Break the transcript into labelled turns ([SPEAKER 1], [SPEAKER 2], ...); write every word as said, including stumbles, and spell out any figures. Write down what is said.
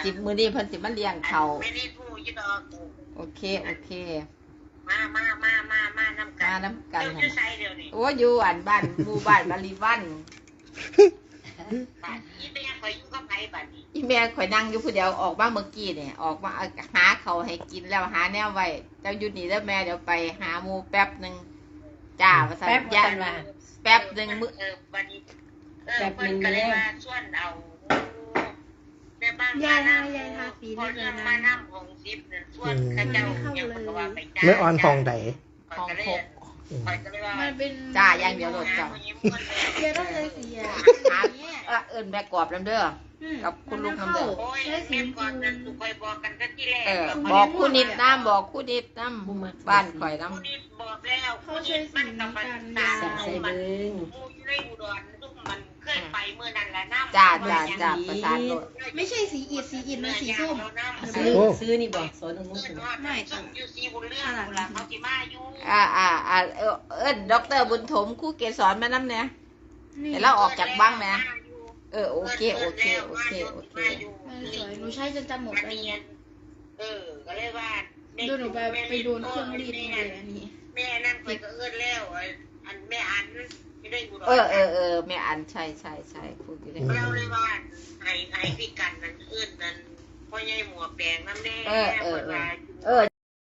[SPEAKER 1] สิบมื้อนี้เพิ่นสิมาเลี้ยงเขา
[SPEAKER 2] ไม่ได้พูดยี่ดอก
[SPEAKER 1] โอเคโอเค
[SPEAKER 2] มามามามามาน้ำกัน
[SPEAKER 1] มาน้ำกัน
[SPEAKER 2] เดี๋ยวจะใส่เดี๋ยวนี้
[SPEAKER 1] โอ้อยู่อันบ้านหมู่บ้านบาริวัน
[SPEAKER 2] บ้านยี่แม่คอยอยู่กับไผบ้านนี้
[SPEAKER 1] อีแม่ข่อยนั่งอยู่ผู้เดียวออกมาเมื่อกี้เนี่ยออกมาหาเขาวให้กินแล้วหาแนวไว้เจ้าอยู่นี่แล้วแม่เดี๋ยวไปหาหมู่แป๊บหนึงจ้าว่าซั่น
[SPEAKER 3] แป๊บ
[SPEAKER 1] ย่า
[SPEAKER 3] กันว่า
[SPEAKER 1] แป๊บหนึงมื้อ
[SPEAKER 2] เออบ้านนี้เออเพิ่นก็เลยว่าชวนเอาแม่บ้านมานำพอเรื่องมานำของซิปเนี่ยชวนเขาเจ้าอย่างเพิ่นก็ว่าไปจ้า
[SPEAKER 4] ไม่ออนห้องใด
[SPEAKER 1] ห้องหก
[SPEAKER 2] ข้อยก็เลยว่า
[SPEAKER 5] มันเป็น
[SPEAKER 1] จ้าอย่างเดียวโลดจ้ะ
[SPEAKER 5] เดี๋ยวต้องเลยสีอ่ะ
[SPEAKER 1] หาเอ่อเอิ้นแม่กรอบนำเด้อ กับคุณลุงทำเด้อ
[SPEAKER 2] โอ้ยแม่ก่อนนั้นคอยบอกกันตั้งที่แรก
[SPEAKER 1] เออบอกคู่นิดน้ำบอกคู่นิดน้ำบ้านข่อยน้
[SPEAKER 2] ผู้นิดบอกแล้วผู้นิดมันกับมันตา
[SPEAKER 3] ใส่ใส่
[SPEAKER 2] มัน
[SPEAKER 3] เบิ้ง
[SPEAKER 2] มูอยู่ในอุดรทุกมันเคยไปเมื่อนั้นแหละน้ำ
[SPEAKER 1] ำจ้าจ้าจ้าประสานโลด
[SPEAKER 5] ไม่ใช่สีอิดสีอิดมันสีส้ม
[SPEAKER 3] ซื้อซื้อนี่บอกสอนอนุ
[SPEAKER 2] เพื่อน
[SPEAKER 3] ส
[SPEAKER 2] ทอดไม่ต้องอยู่ซีบุญเรื่องบุญละเขาที่มาอยู่
[SPEAKER 1] อ่าอ่าอ่าเออเอิ้นด็อกเตอร์บุญถมครู่เกศรมาน้ำเนี่ยเห็นเราออกจากบ้างไหมเออโอเคโอเคโอเคโอเค
[SPEAKER 5] มันสวยหนูใช้จนจำหมด
[SPEAKER 2] มัน
[SPEAKER 5] เลย
[SPEAKER 2] เนียนเออก็เลยว่า
[SPEAKER 5] ดูหนูไปไปโดนเครื่องรีดมาเลยอันนี้
[SPEAKER 2] แม่นั่นไปก็เอื้อนแล้วอันแม่อันไม่ได้อุดร
[SPEAKER 1] เออเออเออแม่อันใช่ใช่ใช่พูดอยู่เลย
[SPEAKER 2] เราเลยว่าไอ้ไอ้พี่กันนั่นเอื้อนนั่นพ่อใหญ่หมวกแดงนั่นแน่
[SPEAKER 1] เออเออ
[SPEAKER 2] ว่า
[SPEAKER 1] เออ